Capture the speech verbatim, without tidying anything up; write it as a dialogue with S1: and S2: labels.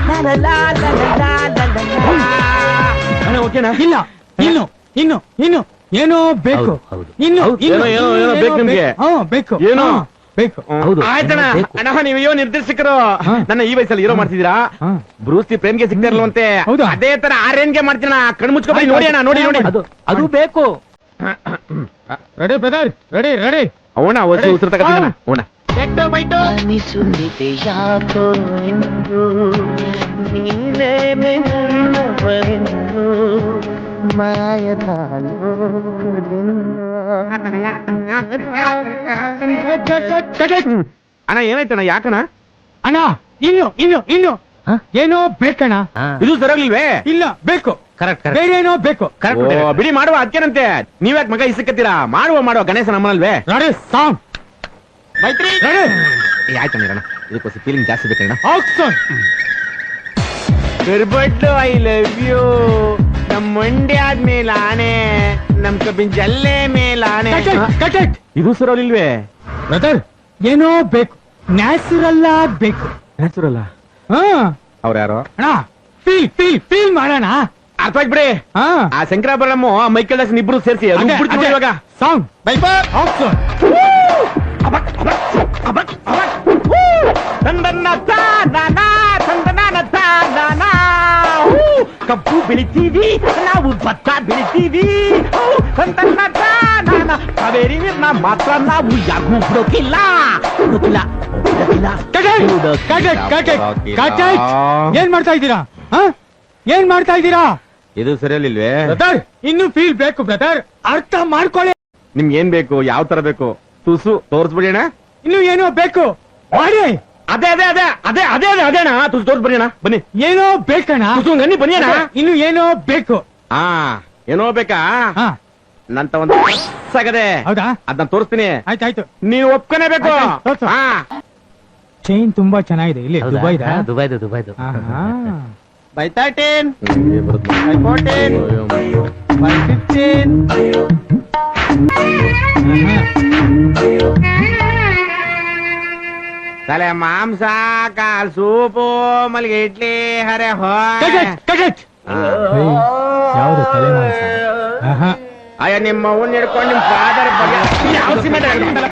S1: ಓಕೆನಾ? ಇಲ್ಲ, ಇನ್ನು ಇನ್ನು ಇನ್ನು ಏನೋ ಬೇಕು. ಇನ್ನು
S2: ಏನೋ ಏನೋ ಏನೋ ಬೇಕು ನಿಮ್ಗೆ.
S1: ಬೇಕು
S2: ಏನೋ
S1: ಬೇಕು.
S2: ಆಯ್ತಣ್ಣ. ಅಣ್ಣ ನೀವು ಅಯ್ಯೋ ನಿರ್ದೇಶಕರು ನನ್ನ ಈ ವಯಸ್ಸಲ್ಲಿ ಹೀರೋ ಮಾಡ್ತಿದ್ದೀರಾ. ಬ್ರೂಸ್ಲಿ ಪ್ರೇಮ್ಗೆ ಸಿಗ್ತಾ ಇರಲ್ವಂತೆ, ಅದೇ ತರ ಆರ್ಯನ್ಗೆ ಮಾಡ್ತೀನ. ಕಣ್ ಮುಚ್ಕೊಂಡು ನೋಡಿ ಅಣ್ಣ, ನೋಡಿ ನೋಡಿ
S1: ಅದು ಬೇಕು. Ready brother, ready ready.
S2: ಅವಣ ಹೊಸ ಉಸಿರು ತಗೋಣ. ಅವಣ
S3: ಅನಿಸುತ್ತಿದೆ ಯಾಕೋ ಎಂದು ನೀನೇ ನನ್ನವರೆಂದು ಮಾಯದ
S2: ಅಣ್ಣ ಏನಾಯ್ತಣ್ಣ? ಯಾಕಣ್ಣ?
S1: ಅಣ್ಣ ಇನ್ನು ಇನ್ನು ಇನ್ನು ಏನೋ ಬೇಕಣ್ಣ.
S2: ಇದು ಸರಿಯಾಗ್ಲಿಲ್ವೇ?
S1: ಇಲ್ಲ ಬೇಕು.
S2: ಕರೆಕ್ಟ್
S1: ಬೇರೆ ಏನೋ ಬೇಕು.
S2: ಬಿಡಿ ಮಾಡುವ. ಅದಕ್ಕೇನಂತೆ ನೀವ್ಯಾಕೆ ಮಗ ಇಸಕತ್ತೀರಾ? ಮಾಡುವ ಮಾಡುವ ಗಣೇಶ ನಮ್ಮನಲ್ವೇ?
S1: ರೆಡಿ ಸಾಂಗ್
S2: ಮೈತ್ರಿ ಆಯ್ತಣ್ಣ ಇರೋಣ. ಇದಕ್ಕೋಸ್ಕರ ಫೀಲಿಂಗ್ ಜಾಸ್ತಿ ಬೇಕಣ್ಣ. But I love you. ನಮ್ ಮಂಡ್ಯ ಆದ್ಮೇಲೆ ಆನೆ, ನಮ್ ಕಬ್ಬಿನ ಜಲ್ಲೆ ಮೇಲೆ ಆನೆ. ಇದು ಸರಿಯಾಗ್ಲಿಲ್ವೇ?
S1: ಬ್ರದರ್ ಏನೋ ಬೇಕು, ನ್ಯಾಚುರಲ್ ಆಗ್ಬೇಕು.
S2: ನ್ಯಾಚುರಲ್?
S1: ಹಾ.
S2: ಅವ್ರ ಯಾರೋ
S1: ಅಣ್ಣ ಫೀಲ್ ಫೀಲ್ ಫೀಲ್ ಮಾಡೋಣ.
S2: ಅರ್ಥ ಆಗ್ಬಿಡಿ. ಆ ಶಂಕರಾಭರಣ ಮೈಕಲ್ ದಾಸ್ ಇಬ್ರು ಸೇರಿಸಿ ಇವಾಗ
S1: ಸಾಂಗ್
S2: ಕಬ್ಬು ಬೆಳಿತೀವಿ ನಾವು, ಭತ್ತ ಬೆಳಿತೀವಿ ಕಾವೇರಿ ನೀರ್ನ ಮಾತ್ರ ನಾವು ಯಾರಿಗೂ ಬಿಡೋಕಿಲ್ಲ.
S1: ಏನ್ ಮಾಡ್ತಾ ಇದ್ದೀರಾ? ಏನ್ ಮಾಡ್ತಾ ಇದ್ದೀರಾ?
S2: ಇದು ಸರಿಯಲ್ಲಿಲ್ವೇ?
S1: ಬ್ರದರ್ ಇನ್ನು ಫೀಲ್ ಬೇಕು ಬ್ರದರ್, ಅರ್ಥ ಮಾಡ್ಕೊಳ್ಳಿ.
S2: ನಿಮ್ಗೆ ಏನ್ ಬೇಕು? ಯಾವ ತರ ಬೇಕು? ತುಸು ತೋರ್ಸ್ಬಿಡಿ ಅಣ್ಣ.
S1: ಇನ್ನು ಏನೋ ಬೇಕು ಮಾಡಿ.
S2: ಅದೇ ಅದೇ ಅದೇ ಅದೇ ಅದೇ ಅದೇ ಅದೇ ಅಣ್ಣ. ತುಸು ತೋರ್ಸ್ಬಿಡಿ ಅಣ್ಣ. ಬನ್ನಿ.
S1: ಏನೋ ಬೇಕಣ್ಣ.
S2: ತುಸು ಗನ್ನಿ ಬನ್ನಿ ಅಣ್ಣ.
S1: ಇನ್ನು ಏನೋ ಬೇಕು.
S2: ಹಾ ಏನೋ ಬೇಕಾ? ನಂತ ಒಂದು ಸಾಗದೆ.
S1: ಹೌದಾ?
S2: ಅದನ್ನ ತೋರಿಸ್ತೀನಿ.
S1: ಆಯ್ತಾಯ್ತು,
S2: ನೀವು ಒಪ್ಕೊನೇ ಬೇಕು.
S1: ಚೈನ್ ತುಂಬಾ ಚೆನ್ನಾಗಿದೆ. ಇಲ್ಲಿ ದುಬೈದ?
S3: ದುಬೈದು ದುಬೈದು.
S1: By thirteen, by fourteen, by fifteen.
S2: ತಲೆ ಮಾಂಸ, ಕಾಲ್ ಸೂಪು, ಮಲ್ಲಿಗೆ ಇಡ್ಲಿ, ಹರೆ ಹೋ.
S1: ಯಾವ್ದು ತಲೆ ಮಾಂಸ?
S2: ಅಯ್ಯ ನಿಮ್ಮ ಅವ್ನ ಹಿಡ್ಕೊಂಡು ನಿಮ್ ಫಾದರ್ ಬಗ್ಗೆ ಯಾವ ಸಿಮೆಂಟ್